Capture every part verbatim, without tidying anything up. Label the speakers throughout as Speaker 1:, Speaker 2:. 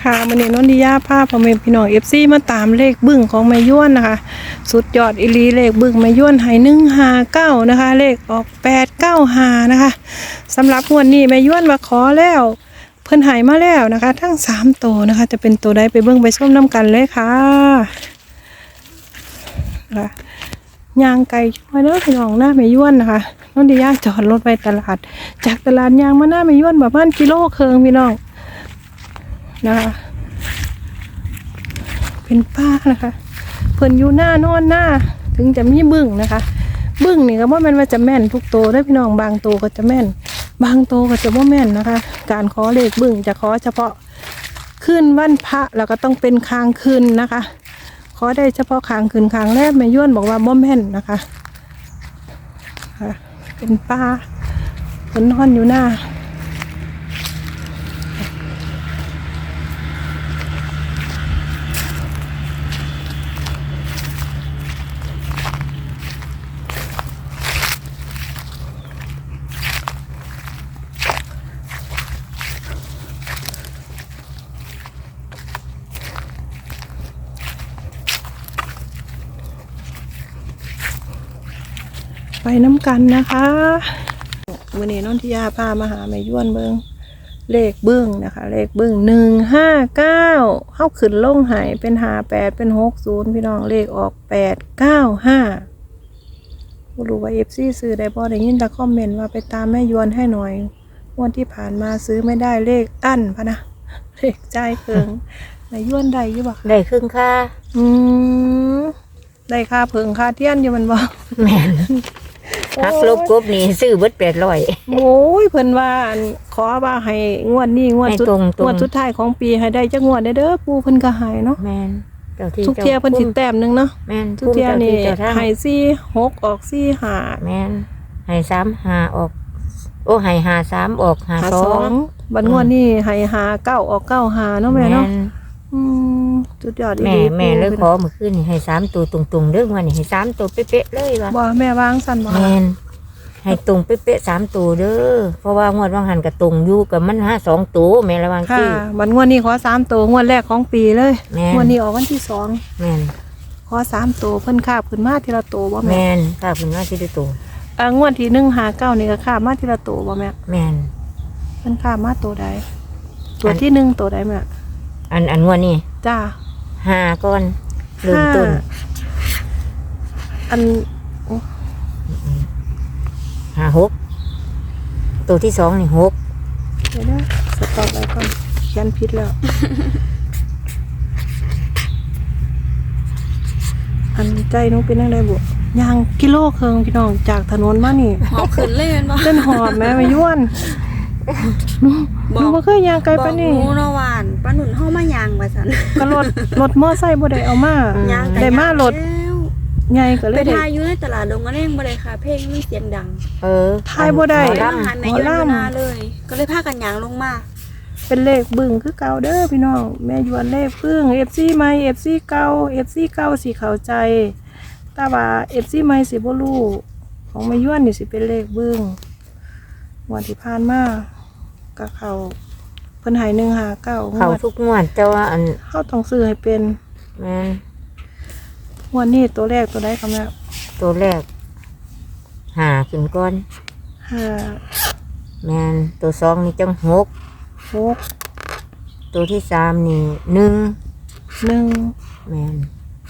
Speaker 1: ค่ะวันนี้นนทิยาภาพพ่อแม่พี่น้องเอฟซีมาตามเลขบึ้งของแม่ย้วนนะคะสุดยอดอีลีเลขบึ้งแม่ย้วนให้หนึ่งห้าเก้านะคะเลขออกแปดเก้าห้านะคะสำหรับงวดนี้แม่ย้วนมาขอแล้วเพิ่นให้มาแล้วนะคะทั้งสามตัวนะคะจะเป็นตัวใดไปเบิ่งไปชมน้ำกันเลยค่ะค่ะย่างไก่ช่วยเด้อพี่น้องหน้าแม่ย้วนนะคะนนทิยาจอดรถไปตลาดจากตลาดยางมาหน้าแม่ย้วนประมาณกิโลครึ่งพี่น้องนะคะเป็นป้านะคะเพิ่นอยู่หน้านอนหน้าถึงจะมีบึ้งนะคะบึ้งนี่ก็บ่แม่นว่าจะแม่นทุกตัวได้พี่น้องบางตัวก็จะแม่นบางตัวก็จะบ่แม่นนะคะการขอเลขบึ้งจะขอเฉพาะคืนวันพระแล้วก็ต้องเป็นค้างคืนนะคะขอได้เฉพาะค้างคืนค้างแรกแม่ย้วนบอกว่าบ่แม่นนะคะค่ะเป็นป้าเพิ่นนอนอยู่หน้าไปน้ำกันนะคะวันนี้น้องทิยาพามาหาแม่ย้วนเบิงเลขเบิ้งนะคะเลขเบิ้งหนึ่งห้าเก้าเข้าขึ้นลงหายเป็นหาแปดเป็นหกศูนย์พี่น้องเลขออกแปดเก้าห้าไม่รู้ว่าเอฟซีซื้อได้บ่ได้ยินแต่คอมเมนต์ว่าไปตามแม่ย้วนให้หน่อยวันที่ผ่านมาซื้อไม่ได้เลขอั้นพะนะเลขใจเพิงแม่ย้วนได้ยี่บ่
Speaker 2: ได้ครึ่งค่า
Speaker 1: อืมได้ค่าเพิงค่าเทียนอยู่มันบ่
Speaker 2: แม่นฮักลบกบนี่ซื้อเบิดแปดร้อย
Speaker 1: โอ้ยเพิ่นว่าขอว่าให้งวดนี้งวดสุดงวดสุดท้ายของปีให้ได้จักงวดได้เด้อปู่เพิ่นก็ให้เนาะ
Speaker 2: แม่นเจ้าที่
Speaker 1: ทุกเที่ยเพิ่นสิแต้มนึงเนาะ
Speaker 2: แม่น
Speaker 1: ทุกเที่ยนี่ให้สี่ หกออกสี่ ห้า
Speaker 2: แม่นให้สาม ห้าออกโอ้ให้ห้า สามออกห้า สอง
Speaker 1: บัดงวดนี้ให้ห้า เก้าออกเก้า ห้าเนาะแม่เนาะอืมสุดยอดอีหลี
Speaker 2: แม่แม่เลยขอเมื่อคืนนี่ให้สามตัวตรงๆเด้อว่านี่ให้สามตัวเป๊ะๆเลยว่า
Speaker 1: บ่แม่วางสั่นบ่
Speaker 2: แม่นให้ตรงเป๊ะๆสามตัวเด้อเพราะว่างวดว่างหันกับตรงอยู่กับมันห้าสองตัวแม่ระวัง
Speaker 1: สิบัดงวดนี้ขอสามตัวงวดแรกของปีเลยงวดนี้ออกวันที่สอง
Speaker 2: แม่น
Speaker 1: ขอสามตัวเพิ่นคาบขึ้นมาทีละตัวบ่แม่
Speaker 2: แม่นคาบขึ้นมาทีละตัว
Speaker 1: อ่างวดที่หนึ่งหาเก้านี่ก็คาบมาทีละตัวบ่แม่
Speaker 2: แม่น
Speaker 1: เพิ่นคาบมาตัวใดตัวที่หนึ่งตัวใดแม่
Speaker 2: อันอันงวดนี้
Speaker 1: จ้า
Speaker 2: ห้าก้อนเริ่มต้น
Speaker 1: อัน
Speaker 2: ห้าหกตัวที่สองนี่หก
Speaker 1: เดี๋ยวนะสต็อปไว้ก่อนเขียนผิดแล้วอันใจนุ๊กเป็นยังไงบุยางกิโลเคิงพี่น้องจากถนนมานี่
Speaker 3: หอบขึ้นเล่นบ่
Speaker 1: เล่นหอบแม่มาย้วนหนูบ่เคยยางไกลปะนี่
Speaker 3: บอกหนูเนาะหวานป้าหนุนเฮามายางว่าซั่น
Speaker 1: ก็รถรถมอไซค์บ่ได้เอามาได้มารถใหญ่ก็เลย
Speaker 3: ไปทายอยู่ในตลาดดงกระเด้งบ่ได้ค่ะเพลงมันเสียงดัง
Speaker 2: เออ
Speaker 1: ทายบ่ได้
Speaker 3: ล่ำหันแม่ย้วนมาเลยก็เลยพากันยางลงมา
Speaker 1: เป็นเลขบึ้งคือเก่าเด้อพี่น้องแม่ย้วนเลขบึ้ง เอฟ ซี ใหม่ เอฟ ซี เก่า เอฟ ซี เก่าสิเข้าใจแต่ว่า เอฟ ซี ใหม่สิบ่รู้ของแม่ย้วนนี่สิเป็นเลขบึ้งวันที่ผ่านมาก็เข้าเพิ่นให้หนึ่งห้าเก้า
Speaker 2: เข้าทุกงวดแต่ว่าอัน
Speaker 1: เฮาต้องซื้อให้เป็น
Speaker 2: แม่น
Speaker 1: วันนี้ตัวแรกตัวใดคะแม่
Speaker 2: ตัวแรกหาขึ้นก้อน
Speaker 1: ห้า
Speaker 2: แม่นตัวสองนี่จังหก
Speaker 1: หก
Speaker 2: ตัวที่สามนี่หนึ่ง
Speaker 1: หนึ่ง
Speaker 2: แม่น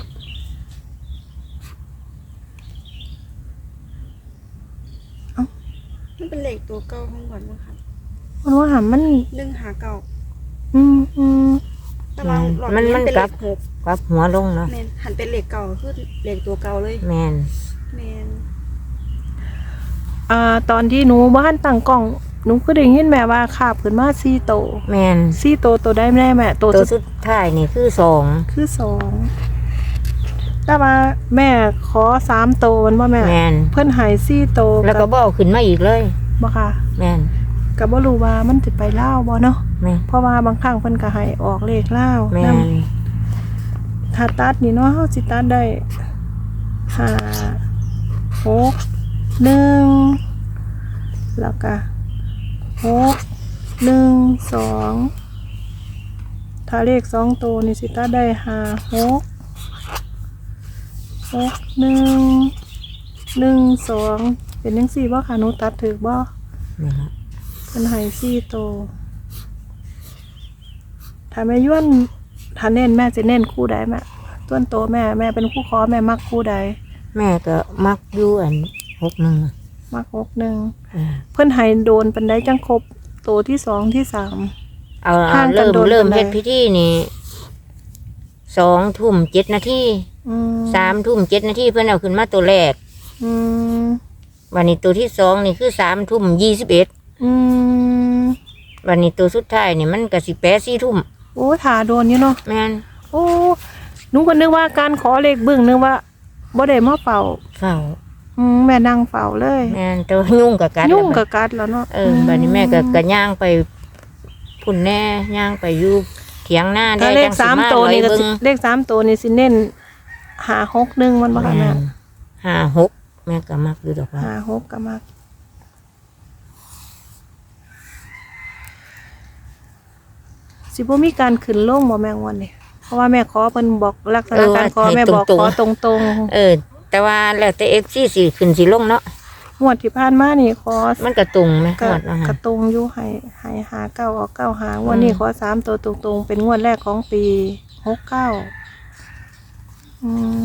Speaker 3: เอ้ามันเป็นเลขตัวเก่าของก่อนมั้งค่ะ
Speaker 1: มันว่าหามัน
Speaker 3: หนึ่งหาเก่า
Speaker 1: อืมอืม
Speaker 3: ตารางหลอดมันเป็นเลขหก
Speaker 2: กลับหัวลงเนาะ
Speaker 3: แม่นหันเป็นเลขเก่าคือเลขตัวเก่าเลย
Speaker 2: แม่น
Speaker 3: แม่น
Speaker 1: อ่าตอนที่หนูบ้านตั้งกล้องหนูก็ได้ยินแม่ว่าขาบขึ้นมาสี่โต
Speaker 2: แม่น
Speaker 1: สี่โตตัวได้แม่แม่
Speaker 2: ตัวสุดท้ายนี่คือสอง
Speaker 1: คือสองแต่ว่าแม่ขอสามโตมันว่าแม่เพิ่นหายสี่โต
Speaker 2: แล้วก็บ่ขึ้นมาอีกเลย
Speaker 1: บ่ค่ะ
Speaker 2: แม่น
Speaker 1: ก็บ่รู้ว่ามันสิไปลาวบ่เนาะ
Speaker 2: แม่น
Speaker 1: เพราะว่าบางครั้งเพิ่นก็ให้ออกเลขลาว
Speaker 2: แม่น
Speaker 1: ถ้าตัดนี่เนาะเฮาสิตัดได้ห้า หก หนึ่งแล้วก็หก หนึ่ง สองถ้าเลขสองตัวนี่สิตาได้ห้าหกหกหนึ่งหนึ่งสองเป็นยังสี่บ่ค่ะหนูตัดถือบ่
Speaker 2: นี่ละ
Speaker 1: เป็นไห้สี่ตัวถ้าแม่ย้วนถ้าเน้นแม่จะเน้นคู่ใดแม่ต้นโตแม่แม่เป็นคู่คอแม่มักคู่ใด
Speaker 2: แม่ก็มักอยู่อันหกหนึ่งอะ
Speaker 1: มักหกหนึ่ง
Speaker 2: เออ
Speaker 1: เพื่อนไห้โดนเป็นได้จังครบตัวที่สองที่สาม
Speaker 2: เอา
Speaker 1: ห่างกัน
Speaker 2: เริ่ม
Speaker 1: โดน
Speaker 2: เริ่ม
Speaker 1: ปานใด
Speaker 2: เฮ็ดพิธีนี่สองทุ่มเจ็ดนาที
Speaker 1: อืม
Speaker 2: สามทุ่มเจ็ดนาทีเพิ่นเอาขึ้นมาตัวแรก
Speaker 1: อืม
Speaker 2: วันนี้ตัวที่สองนี่คือสามทุ่มยี่สิบเอ็ด
Speaker 1: อืม
Speaker 2: วันนี้ตัวสุดท้ายนี่มันก็สิแปดสี่ทุ่ม
Speaker 1: โอ้ถาโดนอยู่เนาะ
Speaker 2: แม่น
Speaker 1: โอ้หนูก็นึกว่าการขอเลขเบึ้งนึกว่าบ่ได้มาเฝ้า
Speaker 2: เฝ้า
Speaker 1: อืมแม่นั่งเฝ้าเลย
Speaker 2: แม่นแต่ว่ายุ่งกับกัน
Speaker 1: ยุ่ง
Speaker 2: แล้ว
Speaker 1: กับกัดแล้วเนาะ
Speaker 2: เออบัดนี้แม่ก็ก็ย่างไปพุ่นแน่ย่างไปอยู่เถียงหน้า
Speaker 1: ถ้า
Speaker 2: ได้
Speaker 1: เล
Speaker 2: จั
Speaker 1: ข
Speaker 2: งสิ
Speaker 1: สาม
Speaker 2: มา
Speaker 1: ตัวนี่ก็
Speaker 2: เบิ่
Speaker 1: สิ
Speaker 2: ง
Speaker 1: เลขสามตัวนี่สิเน้นหาหกหนึ่งมันบ่ค่ะแม่
Speaker 2: แม่นห้าหกแม่ก็มักอยู่ดอกว่า
Speaker 1: หาหกก็มักสิบ่มีการขึ้นลงบ่แม่งวันนี้เพราะว่าแม่ขอเพิ่นบอกลักษณะการขอแม่บอกขอตรงๆ
Speaker 2: เออ แต่ว่าแล้วแต่ เอฟ ซี สิขึ้นสิลงเนาะ
Speaker 1: งวดที่ผ่านมานี่ขอ
Speaker 2: มันก็ตรงไหม
Speaker 1: กระ
Speaker 2: หมดนะ
Speaker 1: ก
Speaker 2: ฮะ
Speaker 1: ระตรงอยู่ให้ให้หาเก้าออกเก้าหางวดนี้ขอสามตัวตรงๆ เป็นงวดแรกของปีหกเก้าอืม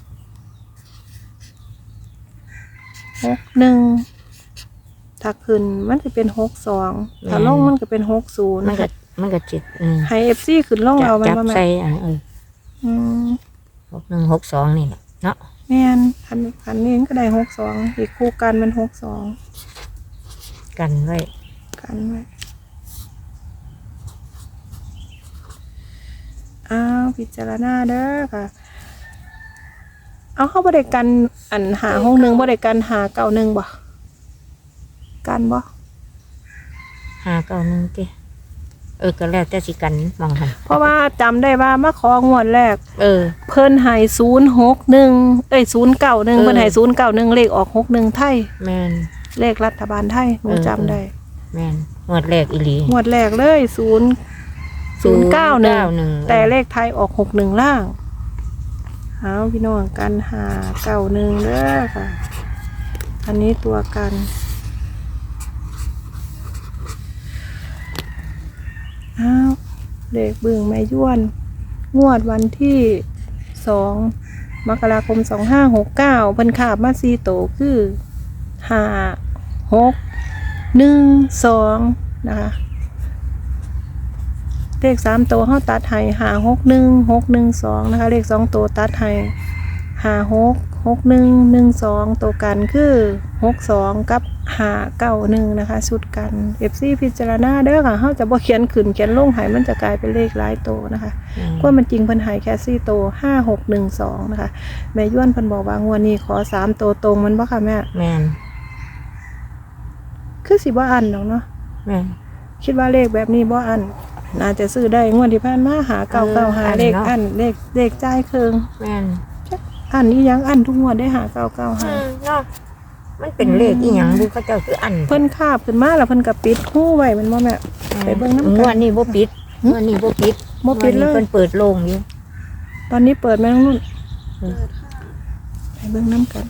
Speaker 1: หกหนึ่งถ้าขึ้นมันจะเป็นหกสองถ้าลงมันก็เป็นหกศูนย์
Speaker 2: มันก็มันก็จิตอืม
Speaker 1: ให้เอฟซีขึ้นลงเอามัน
Speaker 2: จับ
Speaker 1: มาแม่
Speaker 2: ใส่อันเออ
Speaker 1: อืม
Speaker 2: หกหนึ่งหกสองนี่แหละเนาะ
Speaker 1: แม่นคันคันนี้ก็ได้หกสองอีกคู่กันเป็นหกสอง
Speaker 2: กันไว้
Speaker 1: กันไว้อ้าวพิจารณาเด้อค่ะ เอาเข้าบริกันอันหาห้องหนึ่งบริกันหาเก่าหนึ่งบ่กันบ่
Speaker 2: ห้าเก้าหนึ่งติเออก็แล้วแต่สิกันมองหัน
Speaker 1: เพราะว่าจำได้ว่ามาของวดแรก
Speaker 2: เออ
Speaker 1: เพิ่นใหายศูนย์หกหนึ่งเอ้ยศูนย์เก้าหนึ่ง
Speaker 2: เออ
Speaker 1: เพิ่นใหายศูนย์เก้าหนึ่งเลขออกหกหนึ่งไทย
Speaker 2: แม่น
Speaker 1: เลขรัฐบาลไทยหนู
Speaker 2: เออ
Speaker 1: จำได้
Speaker 2: แม่นงวดแรกอีหลี
Speaker 1: งวดแรกเลยศูนย์ศูนย์เก้าหนึ่ง
Speaker 2: หนึ่ง
Speaker 1: แต่เลขไทยออกหกหนึ่งล่างเอาพี่น้องกันหาเก้าหนึ่งเด้อค่ะ อันนี้ตัวกันอ้าวเด็กบึงแม่ย้วน งวดวันที่สองมกราคมสองห้าหกเก้าเพิ่นขาบมาซีโตคือห้าหกหนึ่งสองนะคะเลขสามตัวเขาตัดให้ห้าหกหนึ่งหกหนึ่งสองนะคะเลขสองตัวตัดให้ห้าหกหกหนึ่งหนึ่งสองตัวกันคือหกสองกับห้าเก้าหนึ่งนะคะชุดกันเอฟซีพิจารณาเด้อค่ะเขาจะบ่เขียนขึ้นเขียนลงใหายมันจะกลายเป็นเลขหลายตัวนะคะ
Speaker 2: อืม
Speaker 1: ก็มันจริงเพิ่นใหายแค่สี่ตัวห้าหกหนึ่งสองนะคะแม่ย้วนเพิ่นบอกว่างวดนี้ขอสามตัวตรงมันบ่ค่ะแม่
Speaker 2: แม่น
Speaker 1: คือสิบ่อันดอกเนาะ
Speaker 2: แม่น
Speaker 1: คิดว่าเลขแบบนี้บ่อันน่าจะซื้อได้งวดที่ผ่านมาหาเก้าเก้าหา
Speaker 2: เอออัน
Speaker 1: เลข
Speaker 2: เนาะ
Speaker 1: อันเลขเลขจ่ายเคือง
Speaker 2: แม่น
Speaker 1: อันนี้ยังอันทุกงวดได้หาเก้าเก้าหา
Speaker 2: อืมเนาะมันเป็นเลขอีหยังบุเขาเจ้าคืออัน
Speaker 1: เพิ่นคาบขึ้นมาแล้วเพิ่นก็ปิดหูไว้แมันบ่แม่ ไปเบิ่งน้ำกัน
Speaker 2: งวดนี้บ่ปิดงวดนี้บ่ปิด
Speaker 1: บ่ปิดเลย
Speaker 2: งวนี้เพิ่นเปิดโล่งอยู่
Speaker 1: ตอนนี้เปิดแม่น้องนุ่น
Speaker 3: เปิดค่ะ
Speaker 1: ไปเบิ่งน้ำกัน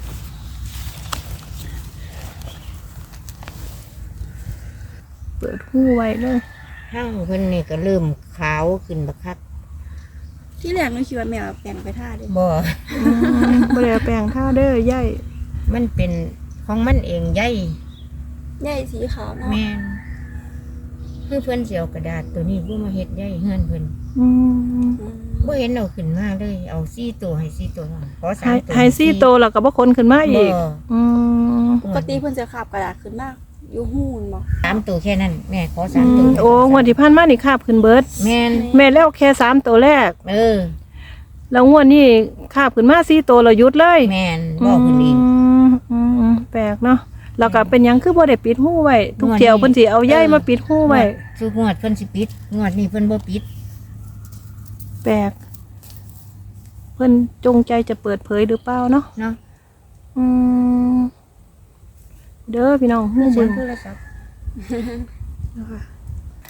Speaker 1: เปิดหูไว้เลย
Speaker 2: ห้างเพิ่นนี่ก็เริ่มขาวขึ้นบักคัก
Speaker 3: ที่แรกหนูคิดว่าแมวแปลงไปท่าเด้
Speaker 2: บ่
Speaker 1: อืมบ่ได้เอาแปลงท่าเด้อย่าย
Speaker 2: มันเป็นของมันเองใหญ่
Speaker 3: ใหญ่สีขาวเนาะ
Speaker 2: แม่นคือเพิ่นสิเอากระดาษตัวนี้บ่มาเฮ็ดใหญ่เฮือนเพิ่น
Speaker 1: อืม
Speaker 3: อืม
Speaker 2: บ่เห็นเอาขึ้นมาเลยเอาสี่ตัวให้สี่ตัวขอสา
Speaker 1: ไฮ
Speaker 2: มตัว
Speaker 1: ไฮซี่โตแล้วก็บ่คนขึ้นมาอีก
Speaker 2: บ่
Speaker 1: อืม
Speaker 3: ปกติเพิ่นจะขับกระดาษขึ้นมากอยู่หูนบ่
Speaker 2: สามตัวแค่นั้นแม่ขอ
Speaker 1: อื
Speaker 2: สามตัว
Speaker 1: มโอ้งวดที่ผ่านมานี่คาบขึ้นเบิด
Speaker 2: แม่น
Speaker 1: แม่แล้วแค่สามตัวแรก
Speaker 2: เออ
Speaker 1: แล้วงวดนี้คาบขึ้นมาสี่ตัวเราหยุดเลย
Speaker 2: แม่นบ่ขึ้นอีก
Speaker 1: มอืมแปลกเนาะแล้วก็เป็นหยังคือบ่ได้ปิดหูไว้ทุก
Speaker 2: งวดนี้
Speaker 1: เที่ยวเพิ่นสิเอาใยมาปิดหูไว้
Speaker 2: ทุกงวดเพิ่นสิปิดงวดนี้เพิ่นบ่ปิด
Speaker 1: แปลกเพิ่นจงใจจะเปิดเผยหรือเปล่าเนาะ
Speaker 2: เนาะ
Speaker 1: อืมเด้อพี่น้องหู
Speaker 2: เสี
Speaker 1: เบิ่
Speaker 2: ยง
Speaker 1: ง
Speaker 2: โทรศัพท์
Speaker 1: นะคะ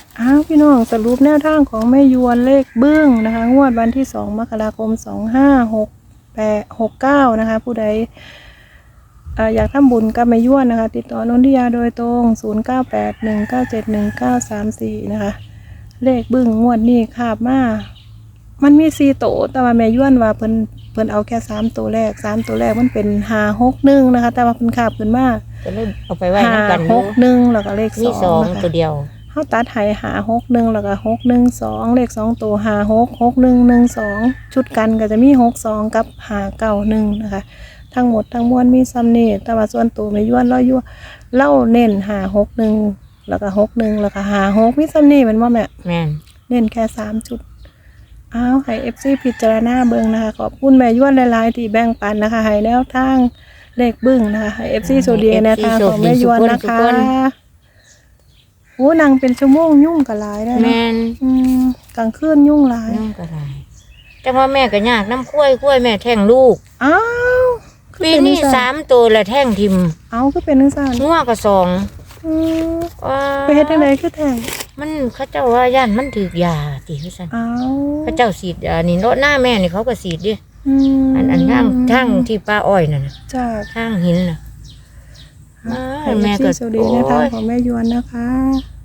Speaker 1: อ้าวพี่น้องสรุปแนวทางของแม่ยวนเลขเบื้องนะคะงวดวันที่สองมกราคมสองห้าหกแปดหกเก้านะคะผู้ใดเอ่ออยากทำบุญกับแม่ยวนนะคะติดต่อนนทิยาโดยตรงศูนย์เก้าแปดหนึ่งเก้าเจ็ดหนึ่งเก้าสามสี่นะคะเลขเบื้องงวดนี้คาบมามันมีสี่โตวแต่ว่าแม่ยวนว่าเพิ่นเพิ่นเอาแค่สามตัวแรกสามตัวแรกมันเป็นห้าหกหนึ่งนะคะแต่ว่าเพิ่นคาบขึ้นมา
Speaker 2: ก็เลยเอาไปไว้
Speaker 1: ห้า
Speaker 2: น้ำกันอ
Speaker 1: ห
Speaker 2: ยู่
Speaker 1: กหนึ่งแล้วก็เลข
Speaker 2: มี
Speaker 1: ส
Speaker 2: ส
Speaker 1: อ
Speaker 2: อง ง
Speaker 1: นะคะ
Speaker 2: ตัวเดียว
Speaker 1: เขาตัดไห้หาหกหนึ่งแล้วก็หกหนึ่งสองเลขสองตัวหาหกหกหนึ่งหนึ่งสองชุดกันก็จะมีหกสองกับหาเก้าหนึ่งนะคะ ทั้งหมดทั้งมวลมีซัมเนตแต่ว่าส่วนตัวไม่ย้วนเล่ายั่วเล่าเน้นหาหกหนึ่งแล้วก็หกหนึ่งแล้วก็หาหกมีซัมเนตมันว่าแม่
Speaker 2: แม่น
Speaker 1: เน้นแค่สามจุดอ้าวให้เอฟซีพิจารณาเบิ่งนะคะขอบคุณแม่ย้วนหลายๆที่แบ่งปันนะคะให้แนวทางเลขบึ้งนะคะให้เอฟซีโซเดียแนวทางของแม่ย้วนนะคะโอ้นางเป็นชั่วโมงยุ่งกับหลายได้
Speaker 2: แม่น
Speaker 1: อืมกลางคืนยุ่งหลาย
Speaker 2: น้องก็ได้แต่ว่าแม่ก็ยากน้ำกล้วยกล้วยแม่แท่งลูก
Speaker 1: อ้าวคือ
Speaker 2: ปี
Speaker 1: เป็
Speaker 2: นี้
Speaker 1: จัง
Speaker 2: สามตัวละแท่งทิม
Speaker 1: เอาก็เป็นนังสาน
Speaker 2: งัวก็สอง
Speaker 1: อืม
Speaker 2: ว้า
Speaker 1: ไปเฮ็ดจังไดคือแท้ง
Speaker 2: มันเขาเจ้าว่าย่านมันถือยาติเขาสั่น
Speaker 1: อ้าว
Speaker 2: เขาเจ้าสีดยานี่รถหน้าแม่นี่เขาก็สีดดิ
Speaker 1: อืม
Speaker 2: อันอันทางทางที่ป้าอ้อยนั่นน่ะ
Speaker 1: จ้า
Speaker 2: ทางหินน่ะ
Speaker 1: ให้
Speaker 2: แม่
Speaker 1: แม่
Speaker 2: ก็
Speaker 1: ก็สวัสดีในทางของแม่ยวนนะคะ